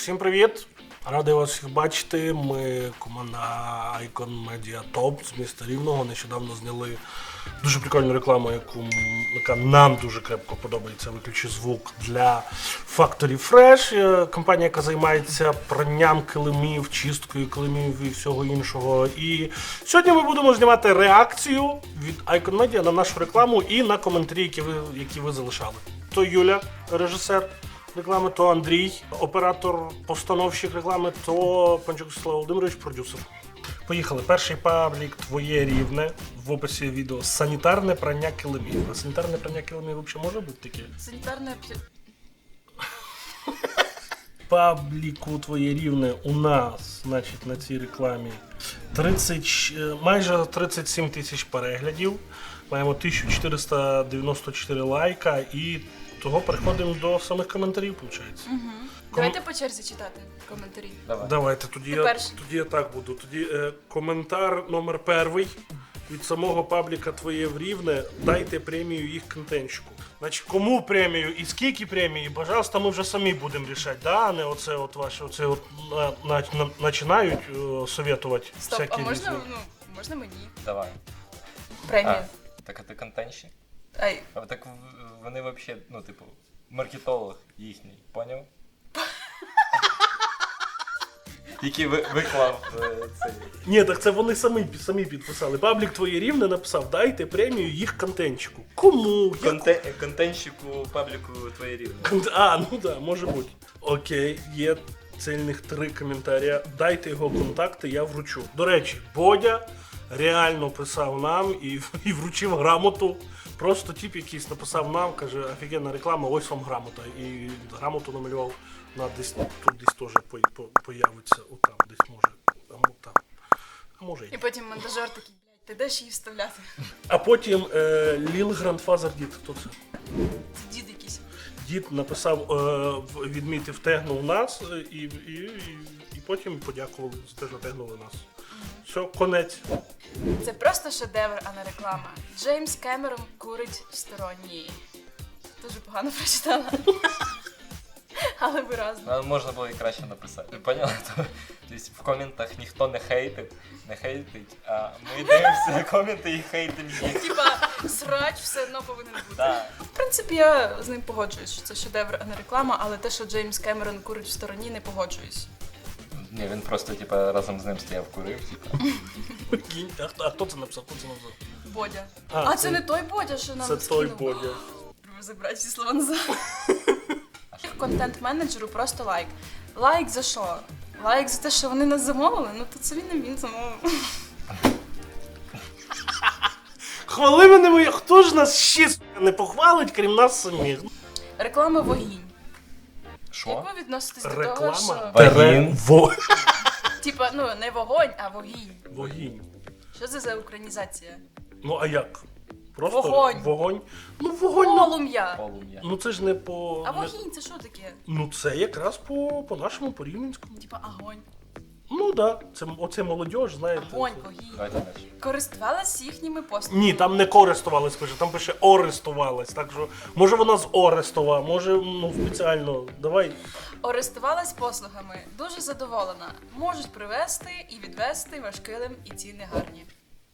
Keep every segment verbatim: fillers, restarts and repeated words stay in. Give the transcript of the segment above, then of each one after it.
Всім привіт! Радий вас всіх бачити. Ми команда Icon Media Top з міста Рівного. Нещодавно зняли дуже прикольну рекламу, яку, яка нам дуже крепко подобається. Виключи звук для Factory Fresh. Компанія, яка займається пранням килимів, чисткою килимів і всього іншого. І сьогодні ми будемо знімати реакцію від Icon Media на нашу рекламу і на коментарі, які ви, які ви залишали. То Юля, режисер реклами, то Андрій, оператор, постановщик реклами, то Панчук Вячеслав Володимирович, продюсер. Поїхали. Перший паблік «Твоє рівне» в описі відео. Санітарне прання килимів. А санітарне прання килимів взагалі може бути таке? Санітарне... Пабліку «Твоє рівне» у нас, значить, на цій рекламі тридцять, майже тридцять сім тисяч переглядів. Маємо тисяча чотириста дев'яносто чотири лайка і того переходимо до самих коментарів, виходить. Угу. Давайте по черзі читати коментарі. Давай. Давайте, тоді я, тоді я так буду. Тоді е, коментар номер перший від самого пабліка «Твоє рівне». Дайте премію їх контентчику. Значить, кому премію і скільки премії, пожалуйста, ми вже самі будемо рішати, да? А не оце от ваші, оце от на, на, на, починають е, советувати Стоп, всякі а можна, різні. ну, можна мені? Давай. Премію. А, так а ти контентщик? Ай, А так в- вони взагалі, ну, типу, маркетолог їхній, поняв? Який ви- виклав е, цей. Ні, так це вони самі, самі підписали. Паблік «Твоє рівне» написав, дайте премію їх контентчику. Кому? Яку? Конте- контентщику пабліку твоє рівне. А, ну да, може бути. Окей, є цільних три коментаря. Дайте його контакти, я вручу. До речі, Бодя реально писав нам і, і вручив грамоту. Просто тип якийсь написав нам, каже, офігенна реклама, ось вам грамота. І грамоту намалював на десь, тут десь теж по, по, появиться, отам, десь може, а мо- там. А може і і ні. потім монтажер такий, блядь, ти де ж її вставляти? А потім е, Ліл Грандфазер Дід, хто це? Це дід якийсь. Дід написав, е, в- відмітив, тегнув нас е, і, і, і, і потім подякували за те, що тегнули нас. Все, конець. Це просто шедевр, а не реклама. Джеймс Кемерон курить в стороні. Дуже погано прочитала. Але виразно. Ну, можна було і краще написати. Поняла? То- Тобто в коментах ніхто не хейтить, не хейтить, а ми дивимося коменти і хейтимо їх. Типа, срач все одно повинен бути. Так. В принципі, я з ним погоджуюсь, що це шедевр, а не реклама, але те, що Джеймс Кемерон курить в стороні, не погоджуюсь. Ні, він просто, типа, разом з ним стояв, курив, типа. Кінь. А, хто- а хто це написав? Хто це написав? Бодя. А, А, це- це не той Бодя, що нам Це той скинув? Бодя. Треба забрати всі слова назад. Контент-менеджеру просто лайк. Лайк за що? Лайк за те, що вони нас замовили? Ну то це він не він замовив. Хвали мене моє, хто ж нас ще сука, не похвалить, крім нас самих? Реклама вогінь. Що? Як ви відноситесь до того, Реклама? що... Вогінь? Тере- Во... Типа, ну, не вогонь, а вогінь. Вогінь. Що це за українізація? Ну а як? Просто Вогонь. вогонь. Ну вогонь, ну, Полум'я. Полум'я. ну це ж не по... А не- вогінь це що таке? Ну це якраз по, по нашому, по рівненському. Типа огонь. Ну так, да. Це оце молодіж, знаєте. Огонь, це- вогінь. Давайте далі. Користувалась їхніми послугами. Ні, там не користувалась, пише, там пише орестувалась. Так що, може вона з Орестова, може, ну, спеціально. Давай. Орестувалась послугами. Дуже задоволена. Можуть привезти і відвезти ваш килим, і ціни гарні.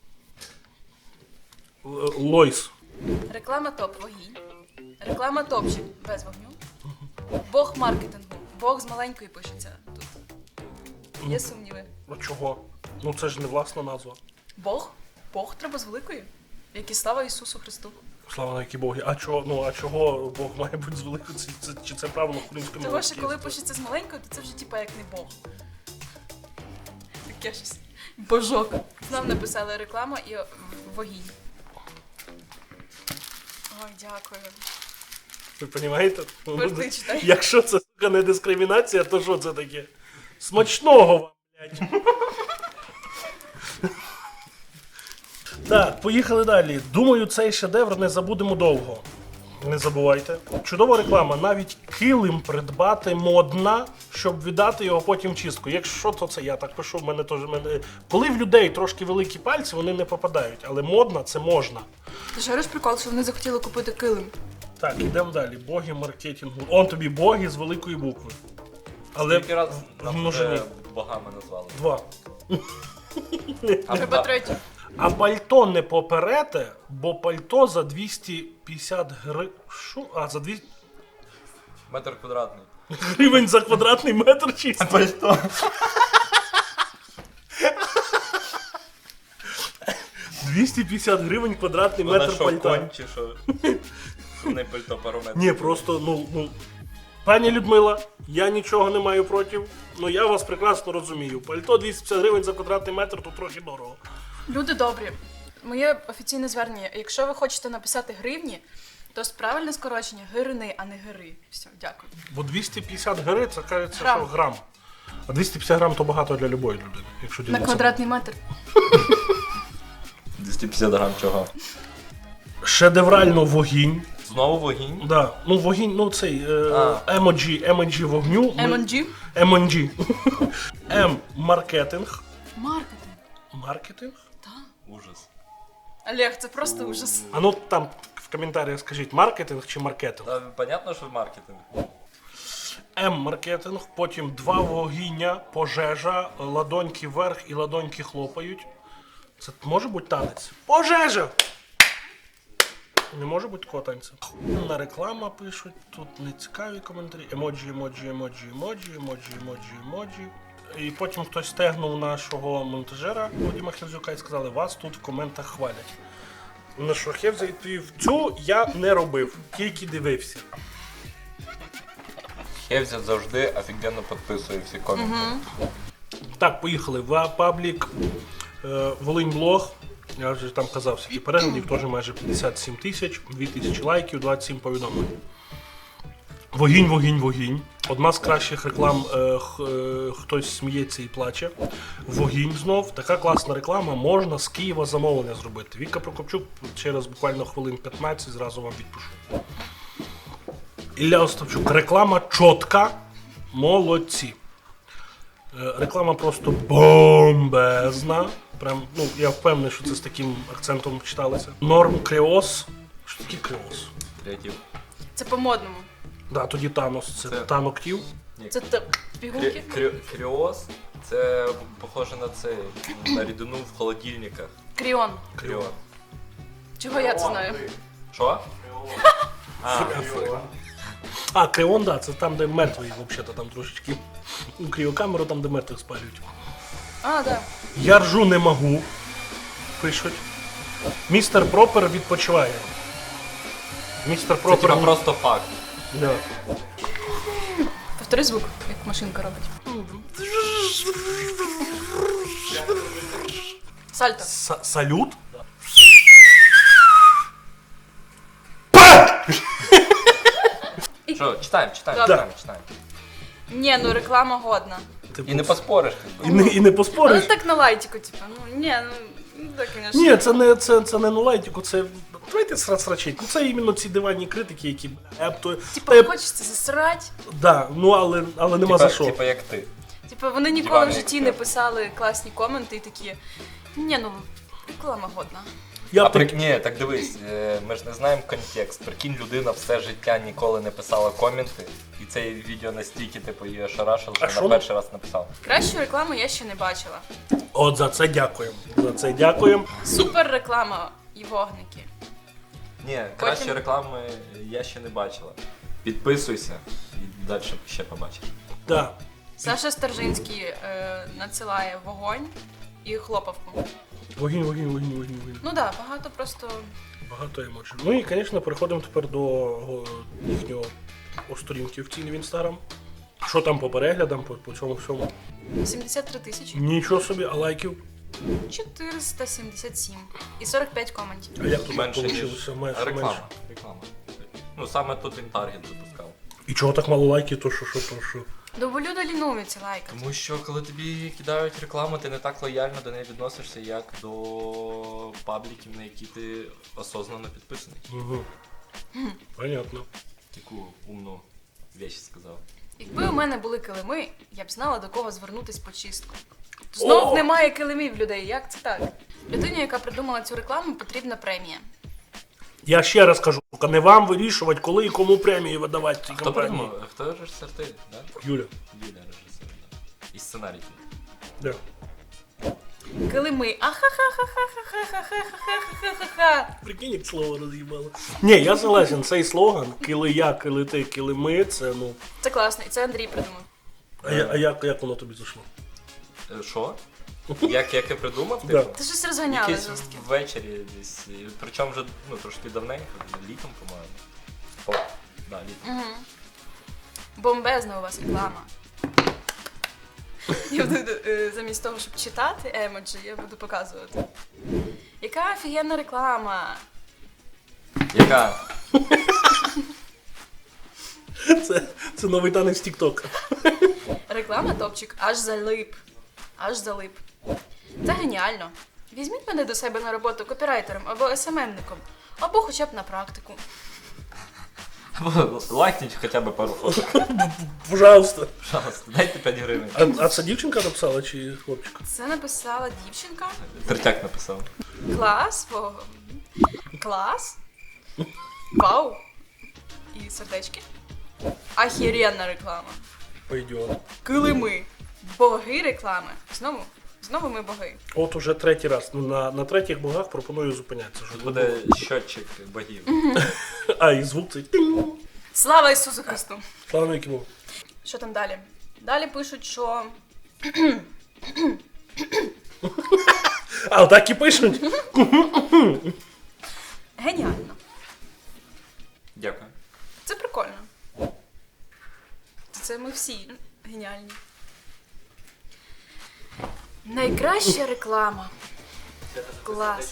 Л- Лойс. Реклама топ вогінь. Реклама топчик без вогню. Бог маркетингу. Бог з маленької пишеться тут. Є сумніви. А чого? Ну це ж не власна назва. Бог? Бог треба з великої. Як і слава Ісусу Христу. Слава на які боги. А чого, ну, а чого Бог має бути з великою? Це, це, чи це правило української Того, мови? що коли пишеться з маленькою, то це вже типа як не Бог. Таке щось. Божок. Знов написали реклама і вогінь. Ой, дякую. Ви розумієте? Тепер читай. Якщо це, сука, не дискримінація, то що це таке? Смачного вам, блядь. Так, поїхали далі. Думаю, цей шедевр не забудемо довго. Не забувайте. Чудова реклама. Навіть килим придбати модна, щоб віддати його потім в чистку. Якщо то це я так пишу, в мене теж мене. Коли в людей трошки великі пальці, вони не попадають, але модна це можна. Ти ж говориш прикол, що вони захотіли купити килим. Так, ідемо далі. Боги маркетингу. Он тобі боги з великої букви. Але Скільки раз нас множині. вже богами назвали? Два. А Треба ба- третє. А пальто не поперете, бо пальто за двісті п'ятдесят гривень. Що? А, за двісті Метр квадратний. гривень за квадратний метр чисто. Пальто. двісті п'ятдесят гривень квадратний Вона метр що, пальта. конь чи що? Не пальто, пару метрів. Ні, просто, ну, ну. Пані Людмила, я нічого не маю проти. Ну я вас прекрасно розумію. Пальто двісті п'ятдесят гривень за квадратний метр, то трохи дорого. Люди добрі. Моє офіційне звернення. Якщо ви хочете написати гривні, то правильне скорочення гирини, а не гири. Все, дякую. Бо двісті п'ятдесят гривень, це кажеться, Грам. що грам. А двісті п'ятдесят грам то багато для любої людини. Якщо На ділитися. квадратний метр. двісті п'ятдесят грам чого? Шедеврально вогінь. Знову вогінь? Да. Ну, вогінь, ну цей е, А. емоджі, емоджі вогню. ми- ем ен джі. ем ен джі. М маркетинг. Маркетинг. Маркетинг? Ужас. Олег, це просто ужас. А ну там в коментарях скажіть, маркетинг чи маркетинг? Та понятно, що маркетинг. М маркетинг, потім два вогіння, пожежа, ладоньки вверх і ладоньки хлопають. Це може бути танець? Пожежа! Не може бути такого танцю. На реклама пишуть, тут не цікаві коментарі. Емоджі, емоджі, емоджі, емоджі, емоджі, емоджі, емоджі. І потім хтось стегнув нашого монтажера Вадима Херзюка і сказали, вас тут в коментах хвалять. На що Хевза відповів, цю я не робив, тільки дивився. Хевзя завжди офігенно підписує всі коменти. Так, поїхали. В паблік е, Волинь Блог. Я вже там казав, скільки переглядів, теж майже п'ятдесят сім тисяч, дві тисячі лайків, двадцять сім повідомлень. Вогінь, вогінь, вогінь. Одна з кращих реклам е, х- е, хтось сміється і плаче. Вогінь знов. Така класна реклама. Можна з Києва замовлення зробити. Віка Прокопчук через буквально хвилин п'ятнадцять зразу вам відпишу. Ілля Остапчук. Реклама чотка. Молодці. Е, Реклама просто бомбезна. Прям, ну, я впевнений, що це з таким акцентом читалося. Норм Креос. Що таке Креос? Креатив. Це по-модному. Да, тоді Танос, це, Це- танок-тів. Це те- пігулки. Крі- крі- Кріоз це похоже на це, на рідину в холодильниках. Кріон. Кріон. Чого я це знаю? Що? А, А, Креон, да, це там, де мертвий, взагалі, там трошечки. У кріокамеру, там, де мертвих спалюють. А, да. Я ржу не можу. Пишуть. Містер Пропер відпочиває. Містер це Пропер. типа просто факт. Да. Повтори звук, як машинка робить. Сальто. Са- Салют? Що, читаємо, читаємо, Добре. читаємо, читаємо. Ні, ну реклама годна. Типу, І не поспориш. і не, і не Ну поспориш. так на лайтику, типу. Ну ні, ну, ну так, звісно. Ні, це не, це, це не на лайтіку, це. Давайте сра- срачить. Ну це іменно ці диванні критики, які. Еп, то, Типа еп, хочеться засрати. да, ну але, але нема Типа, за що. типа як ти. Типа вони ніколи Диванний в житті не експерт. писали класні коменти і такі. Ні, ну реклама годна. Я А б при... так- Ні, так дивись, е, ми ж не знаємо контекст. Прикинь, людина все життя ніколи не писала коменти, і це відео настільки типу її ошарашило, А що що вона ну? перший раз написала. Кращу рекламу я ще не бачила. От за це дякуємо. За це дякуємо. Супер реклама і вогники. Ні, кращої реклами я ще не бачила. Підписуйся і далі ще побачиш. Да. Саша Стержинський е, надсилає вогонь і хлопавку. Вогінь, вогінь, вогінь, вогінь, вогінь. Ну так, да, багато просто. Багато емоцій. Ну і, звісно, переходимо тепер до о, їхнього о, сторінки в ціні в інстаграм. Що там по переглядам, по, по цьому всьому? сімдесят три тисячі Нічого собі, а лайків? чотириста сімдесят сім і сорок п'ять коментів. А як тут Менше, ніж вийшло? Менше, реклама. менше. Реклама. Ну саме тут він таргет запускав. І чого так мало лайків, то що, що, то що? Ну, бо люди лінуються лайкати. Тому що коли тобі кидають рекламу, ти не так лояльно до неї відносишся, як до пабліків, на які ти осознанно підписаний. Угу. Понятно. Таку умну вещь сказав. Якби у мене були килими, я б знала, до кого звернутись по чистку. Знов О! немає килимів людей. Як це так? Людині, яка придумала цю рекламу, потрібна премія. Я ще раз кажу, сука, не вам вирішувати, коли і кому премії видавати цій Хто компанії. придумав? Хто режисер ти? Да? Юля. Юля режисер, да. І сценарій. Да. Килими. Ахахахахахахахахахахахахаха. Прикинь, як слово роз'їбало. Ні, я согласен, цей слоган «Кили я, кили ти, кили ми» – це, ну... Це класно, і це Андрій придумав. А, я, а як, як воно тобі зайшло? Е, Що? Як, як я придумав? Да. Типу? Ти щось розганяли Якийсь жорстко. ввечері десь. і Причому вже ну, трошки давненько, літом, по-моєму. О, да, літом. Угу. Бомбезна у вас реклама. Я буду, е, замість того, щоб читати емоджі, я буду показувати. Яка офігенна реклама! Яка? Це, це новий танець TikTok. Реклама топчик аж залип. Аж залип. Це геніально. Візьміть мене до себе на роботу копірайтером або ес ем ем-ником, або хоча б на практику. Або лайкніть хоча б пару фоток. Пожалуйста. Пожалуйста, дайте п'ять гривень. А, а це дівчинка написала чи хлопчик? Це написала дівчинка. Третяк написав. Клас. О, клас. Вау. І сердечки. Ахіренна реклама. Пойдет. Килими. Боги реклами. Знову. Знову ми боги. От уже третій раз. Ну, на, на третіх богах пропоную зупинятися. Щоб Буде щотчик богів. А, і звук цей. тинь. Слава Ісусу Христу! Слава навіки Богу. Що там далі? Далі пишуть, що А, отак і пишуть. геніально. Дякую. Це прикольно. Це ми всі геніальні. Найкраща реклама. Клас.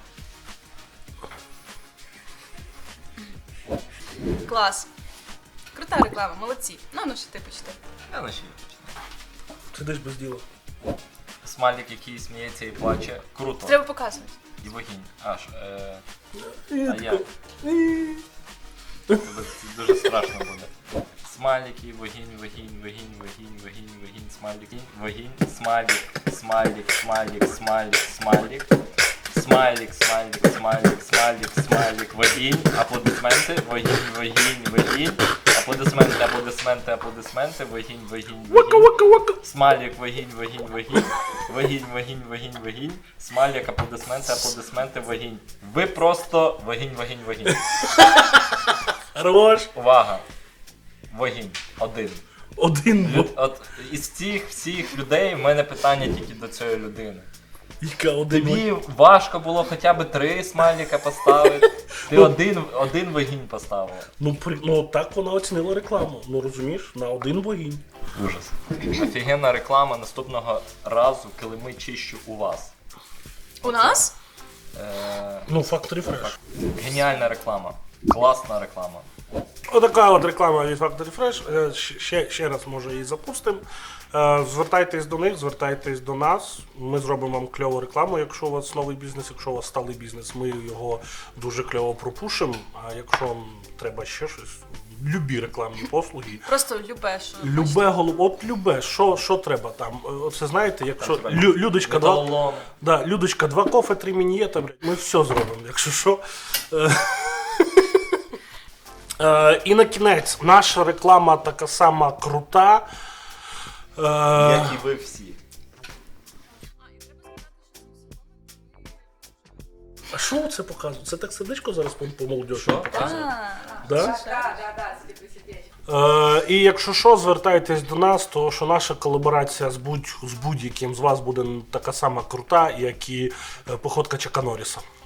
Клас. Крута реклама, молодці. Ну, ну що ти почти. Я на ще починаю. Сидиш без діла. Смайлик, який сміється і плаче. Круто. Треба показувати. І вогінь. Аж. Е... І А тако, я? і. Це дуже страшно буде. Смайлики, вогінь, вогінь, вогінь, вогінь, вогінь, вогінь, смайлик, вогінь, смайлик, смайлик, смайлик, смайлик, смайлик, смайлик, смайлик, смайлик, смайлик, смайлик, вогінь, аплодисменти, вогінь, вогінь, вогінь, аплодисменти, аплодисменти, аплодисменти, вогінь, вогінь, Вака, вогінь, вака, вака. смайлик, вогінь, вогінь, вогінь, вогінь, вогінь, вогінь, вогінь, смайлик, аплодисменти, аплодисменти, вогінь. Ви просто вогінь, вогінь, вогінь. Хорош. Увага! Вогінь. Один. Один Лю... бог. От із цих всіх людей в мене питання тільки до цієї людини. Яка один бог. Тобі важко було хоча б три смайлика поставити. Ти один, один вогінь поставила. Ну, при... ну, так вона оцінила рекламу. Ну, розумієш, на один богінь. Ужас. Офігенна реклама наступного разу, коли ми чищу у вас. У нас? Е... Ну, Factory Fresh. Геніальна реклама. Класна реклама. Отака от реклама від Factory Fresh. Е, Ще, ще раз, може, її запустимо. Е, Звертайтесь до них, звертайтесь до нас. Ми зробимо вам кльову рекламу, якщо у вас новий бізнес, якщо у вас сталий бізнес, ми його дуже кльово пропушимо. А якщо вам треба ще щось, любі рекламні послуги. Просто любе, що. Любе голуб, от любе, що, що треба там. Е, Оце знаєте, якщо Там, Лю, Людочка два, Металолом. да, Людочка, два кофе, три мінієта, блядь, ми все зробимо, якщо що. Е, Е, і на кінець, наша реклама така сама крута. Е, Як і ви всі. а що це показує? Це так сердечко зараз по, по молодежі Що? показує? А, Да? да, Да, да, да, Е, і якщо що, звертайтесь до нас, то що наша колаборація з, будь, з будь-яким з вас буде така сама крута, як і е, походка Чака Норріса.